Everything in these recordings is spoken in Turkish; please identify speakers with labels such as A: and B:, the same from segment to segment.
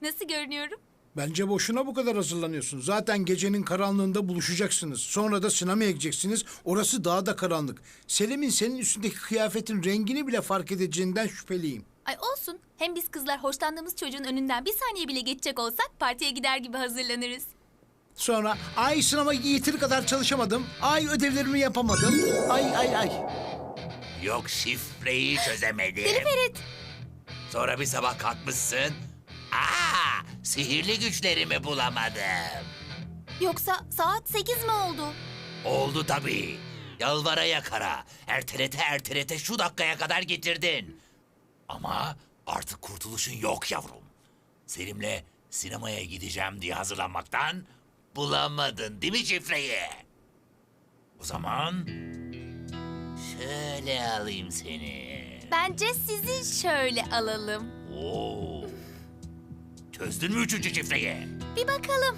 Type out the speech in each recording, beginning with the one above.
A: Nasıl görünüyorum?
B: Bence boşuna bu kadar hazırlanıyorsun. Zaten gecenin karanlığında buluşacaksınız. Sonra da sinemaya gideceksiniz. Orası daha da karanlık. Selim'in senin üstündeki kıyafetin rengini bile fark edeceğinden şüpheliyim.
A: Ay olsun. Hem biz kızlar hoşlandığımız çocuğun önünden bir saniye bile geçecek olsak partiye gider gibi hazırlanırız.
B: Sonra ay sınava yeteri kadar çalışamadım. Ay ödevlerimi yapamadım. Ay.
C: Yok şifreyi çözemedim.
A: Deli Ferit.
C: Sonra bir sabah kalkmışsın. Sihirli güçlerimi bulamadım.
A: Yoksa saat 8 mi oldu?
C: Oldu tabii. Yalvara yakara. Ertelete şu dakikaya kadar getirdin. Ama artık kurtuluşun yok yavrum. Selim'le sinemaya gideceğim diye hazırlanmaktan bulamadın değil mi şifreyi? O zaman şöyle alayım seni.
A: Bence sizi şöyle alalım.
C: Oo. Çözdün mü üçüncü şifreyi?
A: Bir bakalım.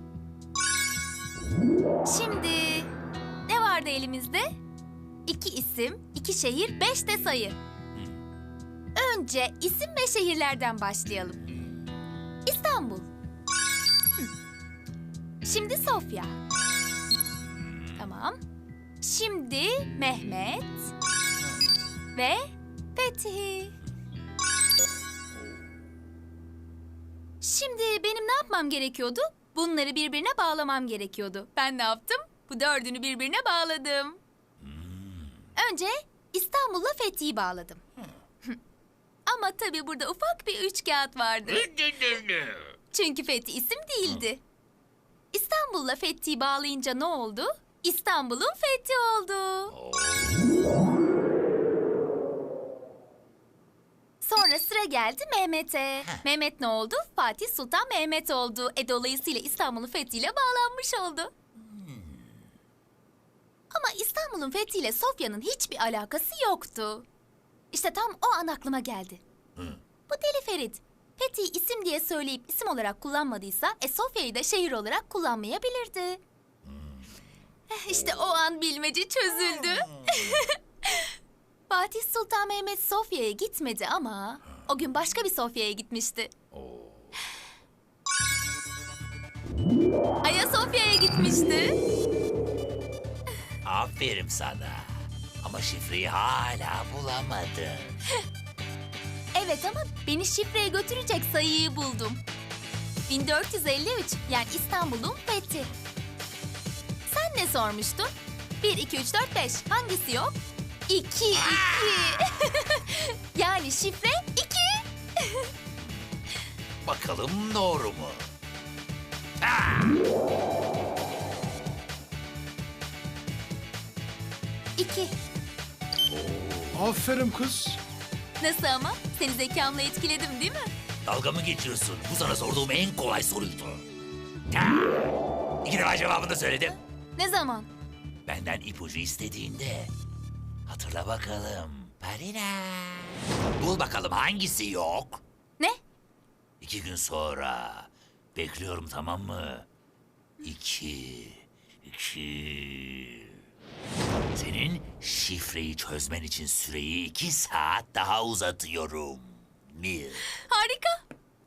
A: Şimdi ne vardı elimizde? 2 isim, 2 şehir, 5 de sayı. Önce isim ve şehirlerden başlayalım. İstanbul. Şimdi Sofya. Tamam. Şimdi Mehmet ve Fethi. Şimdi benim ne yapmam gerekiyordu? Bunları birbirine bağlamam gerekiyordu. Ben ne yaptım? Bu 4'ünü birbirine bağladım. Önce İstanbul'la Fethi'yi bağladım. Ama tabii burada ufak bir üçkağıt vardı. Çünkü Fethi isim değildi. İstanbul'la Fethi'yi bağlayınca ne oldu? İstanbul'un Fethi oldu. Sonra sıra geldi Mehmet'e. Mehmet ne oldu? Fatih Sultan Mehmet oldu. Dolayısıyla İstanbul'un fethiyle bağlanmış oldu. Ama İstanbul'un fethiyle Sofya'nın hiçbir alakası yoktu. İşte tam o an aklıma geldi. Bu Deli Ferit, Fethi'yi isim diye söyleyip isim olarak kullanmadıysa, Sofya'yı da şehir olarak kullanmayabilirdi. İşte o an bilmece çözüldü. Fatih Sultan Mehmet Sofya'ya gitmedi ama o gün başka bir Sofya'ya gitmişti. Ayasofya'ya gitmişti.
C: Aferin sana. Ama şifreyi hala bulamadın.
A: Evet ama beni şifreye götürecek sayıyı buldum. 1453 yani İstanbul'un fethi. Sen ne sormuştun? 1, 2, 3, 4, 5 hangisi yok? 2. Yani şifre 2.
C: Bakalım doğru mu?
A: 2.
B: Aferin kız.
A: Nasıl ama? Seni zekamla etkiledim değil mi?
C: Dalga mı geçiyorsun? Bu sana sorduğum en kolay soruydu. 2 defa cevabını da söyledim.
A: Ne zaman?
C: Benden ipucu istediğinde. Hatırla bakalım. Parina. Bul bakalım hangisi yok?
A: Ne?
C: 2 gün sonra. Bekliyorum tamam mı? 2. Senin şifreyi çözmen için süreyi 2 saat daha uzatıyorum. 1.
A: Harika.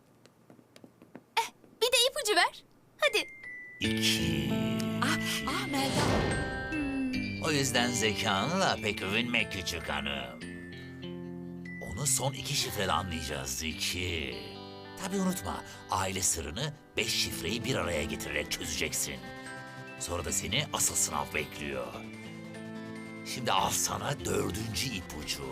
A: Bir de ipucu ver. Hadi.
C: 2.
A: Melda.
C: O yüzden zekanla pek övünme küçük hanım. Onu son 2 şifrede anlayacağız 2. Tabii unutma, aile sırrını 5 şifreyi bir araya getirerek çözeceksin. Sonra da seni asıl sınav bekliyor. Şimdi al sana 4. ipucu.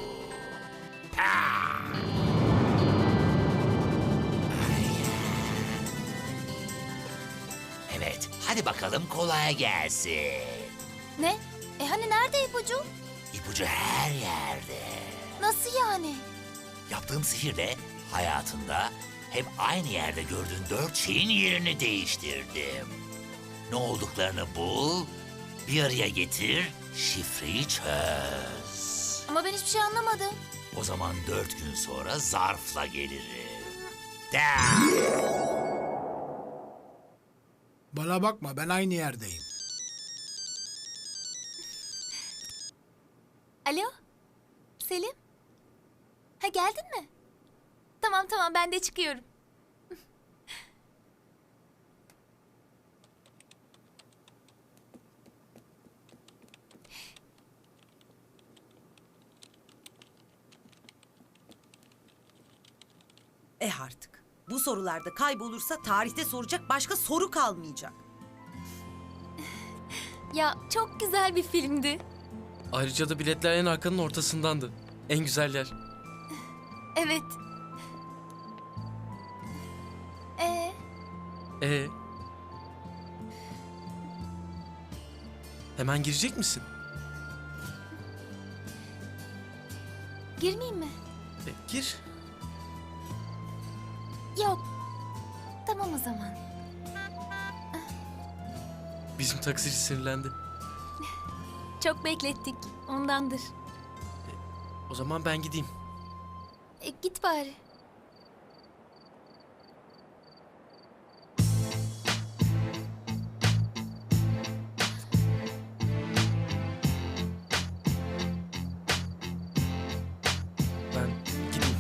C: Evet, hadi bakalım kolay gelsin.
A: Ne? Hani nerede ipucu?
C: İpucu her yerde.
A: Nasıl yani?
C: Yaptığım sihirle hayatında hep aynı yerde gördüğün 4 şeyin yerini değiştirdim. Ne olduklarını bul, bir araya getir, şifreyi çöz.
A: Ama ben hiçbir şey anlamadım.
C: O zaman 4 gün sonra zarfla gelirim.
B: Bana bakma, ben aynı yerdeyim.
A: Alo? Selim? Ha geldin mi? Tamam ben de çıkıyorum.
D: Artık. Bu sorularda kaybolursa tarihte soracak başka soru kalmayacak.
A: Ya çok güzel bir filmdi.
E: Ayrıca da biletler en arkanın ortasındandı. En güzel yer.
A: Evet.
E: Ee? Hemen girecek misin?
A: Girmeyeyim mi?
E: Gir.
A: Yok. Tamam o zaman.
E: Bizim taksici sinirlendi.
A: Çok beklettik. Ondandır.
E: O zaman ben gideyim.
A: Git bari.
E: Ben gideyim.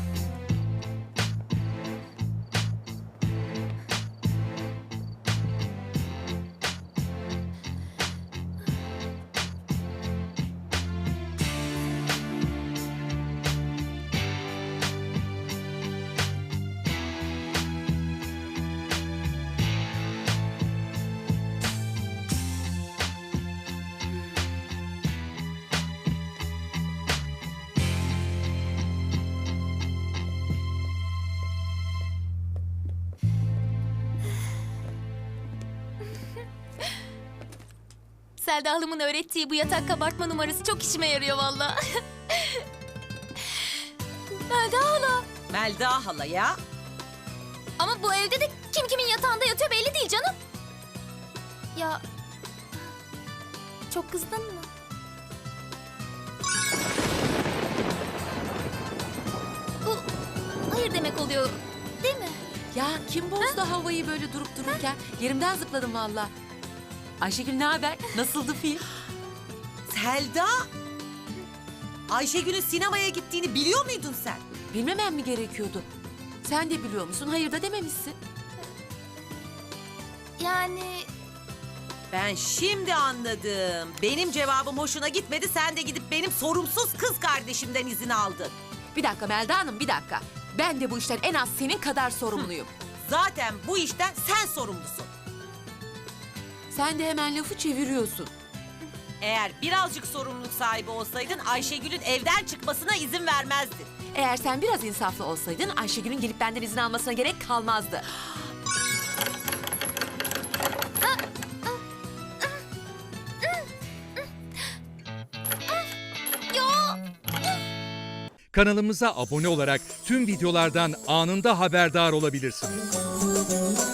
A: Selda Hanım'ın öğrettiği bu yatak kabartma numarası çok işime yarıyor valla. Selda hala.
D: Melda hala ya.
A: Ama bu evde de kim kimin yatağında yatıyor belli değil canım. Ya... Çok kızdın mı? Bu hayır demek oluyor değil mi?
F: Ya kim bozdu havayı böyle durup dururken? Yerimden zıpladım valla. Ayşegül ne haber? Nasıldı film?
D: Selda! Ayşegül'ün sinemaya gittiğini biliyor muydun sen?
F: Bilmemem mi gerekiyordu? Sen de biliyor musun? Hayır da dememişsin.
A: Yani...
D: Ben şimdi anladım. Benim cevabım hoşuna gitmedi. Sen de gidip benim sorumsuz kız kardeşimden izin aldın.
F: Bir dakika Melda Hanım, bir dakika. Ben de bu işten en az senin kadar sorumluyum.
D: Zaten bu işten sen sorumlusun.
F: Sen de hemen lafı çeviriyorsun.
D: Eğer birazcık sorumluluk sahibi olsaydın Ayşegül'ün evden çıkmasına izin vermezdin.
F: Eğer sen biraz insaflı olsaydın Ayşegül'ün gelip benden izin almasına gerek kalmazdı.
G: Kanalımıza abone olarak tüm videolardan anında haberdar olabilirsiniz.